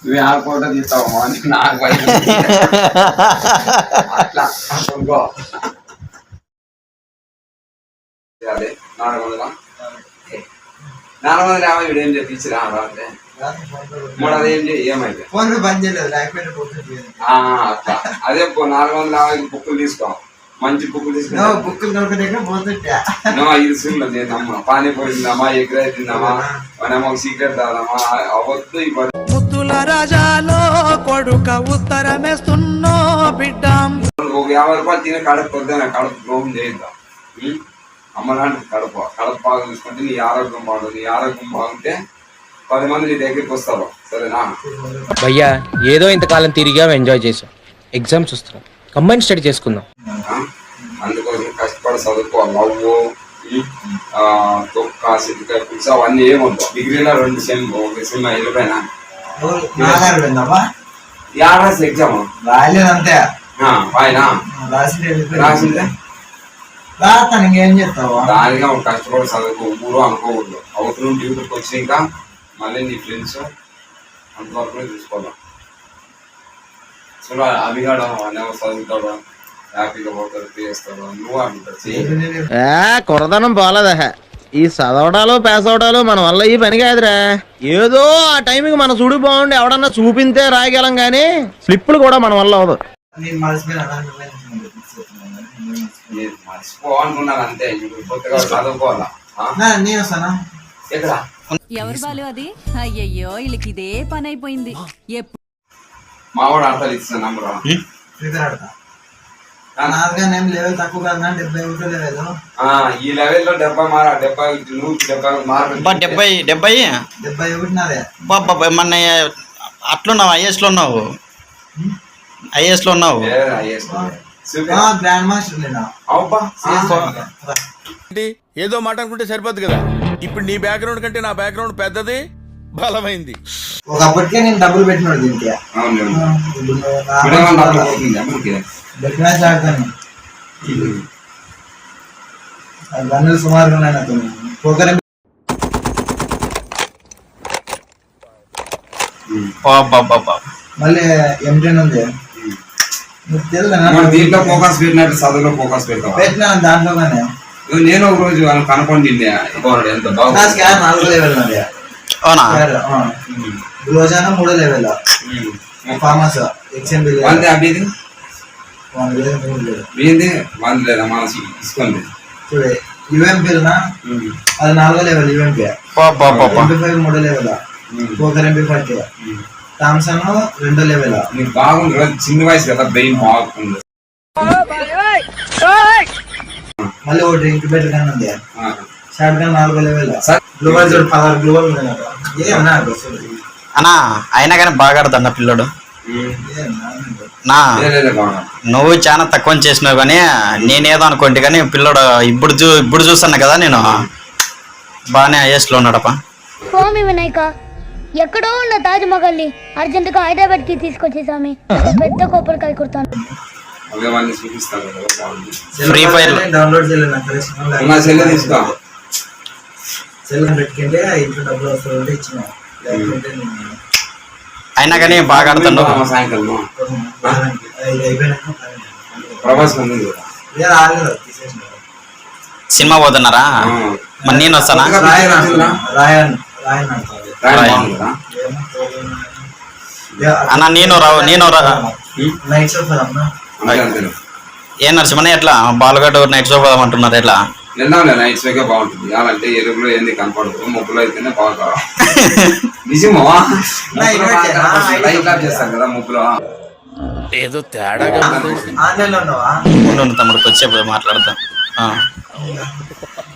నువ్వు ఆ ఫోటో తీస్తావమ్మా నాకు అట్లా అనుకో. అదే 450 వీడు ఏం చేయించిరా రాత్రి మూడు అదేం ఏమైతే అట్లా అదే 450 బుక్కులు తీసుకో మంచి బుక్కులు తీసుకున్నా ఇది సున్నది నమ్మ పానీపూరి తిందామా ఎగ్ రైస్ తిందామా మనమో సీక్రెట్ తాదామా అవద్దు ఈ ముద్దుల రాజాలో కొడుక ఉత్తరమేస్తున్నో బిడ్డ ఒక 50 రూపాయలు తినే కడుపు పొద్దున కడుపు ద్రోహం చేయిద్దాం. అమ్మలాంటి కడుపు బాగా చూసుకుంటే నీ ఆరోగ్యం బాగుంటుంది. నీ ఆరోగ్యం బాగుంటే 10 మంది నీ దగ్గరికి వస్తారు. సరేనా భయ్యా ఏదో ఇంతకాలం తిరిగా ఎంజాయ్ చేసాం. ఎగ్జామ్స్ వస్తున్నాం, కంబైన్ స్టడీ చేసుకుందాం. అందుకోసం కష్టపడి చదువుకోవాలి. నవ్వు తొక్క సిద్ధికాయ పులుసు అవన్నీ ఏమవుతావు. డిగ్రీలో 2 సెమ్ ఒక సెమ్ వెళ్ళిపోయినా ఎగ్జామ్ రాలేదంతే రాసిందే ఇంకేం చెప్తావా దానిగా కష్టపడి చదువుకో. ఊరు అనుకోకూడదు. అవతల డ్యూటీకి వచ్చినాక మళ్ళీ నీ ఫ్రెండ్స్ అంతవరకు చూసుకోవాలి. చూడ అభిగాడు చదువుతాడు, హ్యాపీగా పోతాడు, చేస్తాడు. నువ్వు అంటాడు కొరదనం పోలేదా ఈ చదవడాలు పేస్ అవడాలు మన వల్ల ఈ పని కాదురా. ఏదో ఆ టైంకి మన చూడు బాగుండి ఎవడన్నా చూపింతే రాయగలం గానీ స్లిప్పులు కూడా మన వల్ల అవదు. మర్చిపోవాలనుకున్నాను అంతే. కొత్తగా చదువుకోవాలా. ఎవరు బాలు అది? అయ్యయ్యో వీళ్ళకి ఇదే పని అయిపోయింది. మావాడు అర్థాలు ఇచ్చిన నంబర్ లెవెల్ తక్కువ కదా 70 లెవెల్. ఈ లెవెల్లో 70 మార్కులు 71 నాదే. మొన్న అట్లున్నావు ఐఏఎస్ లో ఉన్నావు. ఐఏఎస్ లో ఉన్నావు. గ్రాండ్ మాస్టర్ ఏదో మాట అనుకుంటే సరిపోద్ది కదా. ఇప్పుడు నీ బ్యాక్గ్రౌండ్ కంటే నా బ్యాక్గ్రౌండ్ పెద్దది, బలమైంది. ఒకప్పటికే నేను డబ్బులు పెట్టినాడు దీనికి. బెట్ మ్యాచ్ ఆడతాను. గన్నులు సుమారుగా ఉన్నాయి నాకు. పోకర్ మళ్ళీ M10 ఉంది. దీంట్లో ఫోకస్ పెట్టినట్టు చదువులో ఫోకస్ పెట్టినా దాంట్లోనే. నేను ఒక రోజు కనుక్కోండి ఎంత బాగా 4 లెవెల్ ఉంది. రోజానా 3 లెవెల్. ఫార్మస్ XMB అభిది లేదా మనసు ఇసుకోండి. చూడే UMP అది 4 level. UMP MP5 3 level. Poker MP40. Thompson 2 level. నీకు బాగుంది కదా, చిన్న వయసు కదా, బ్రెయిన్ బాగుంది. మళ్ళీ ఒకటి ఇంక్యుబేటర్ గన్ ఉంది. Shotgun 4 level. గ్లోబల్ జోడ్ 16 గ్లోబల్ ఉంది నాకు. అన్నా అయినా కానీ బాగా ఆడుతున్నా పిల్లడు. నా నువ్వు చాలా తక్కువ చేసినావు కానీ నేనేదో అనుకోండి కానీ పిల్లడు ఇప్పుడు చూస్తున్నా కదా నేను బాగానే ఐఎస్ లో ఉన్నాడప్ప. స్వామి వినాయక ఎక్కడో ఉన్న తాజ్ మహల్ ని అర్జెంట్ గా హైదరాబాద్ కి తీసుకొచ్చి స్వామి పెద్ద కోపలకాయ కుడతాను. ఫ్రీ ఫైర్ డౌన్లోడ్ పెట్టుకుంటే ఇంట్లో డబ్బులు వస్తుంది ఇచ్చిన. అయినా కానీ బాగా ఆడుతున్నావు. సాయంకాలం ప్రభాస్ సినిమా పోతున్నారా? మరి నేను వస్తానా? అన్నా నేను ఏ నరసింహనే ఎట్లా బాలుగడ్డ నైట్ షో పోదామంటున్నారు. ఎట్లా నైట్ షోకే బాగుంటుంది. అలాంటే ఎరుపులో ఏంది కనపడదు, ముగ్గులో అయితేనే బాగా నిజమా చేస్తారు కదా ముగ్గులో. ఏదో తేడాగా తమ్ముడికి వచ్చే మాట్లాడతాం.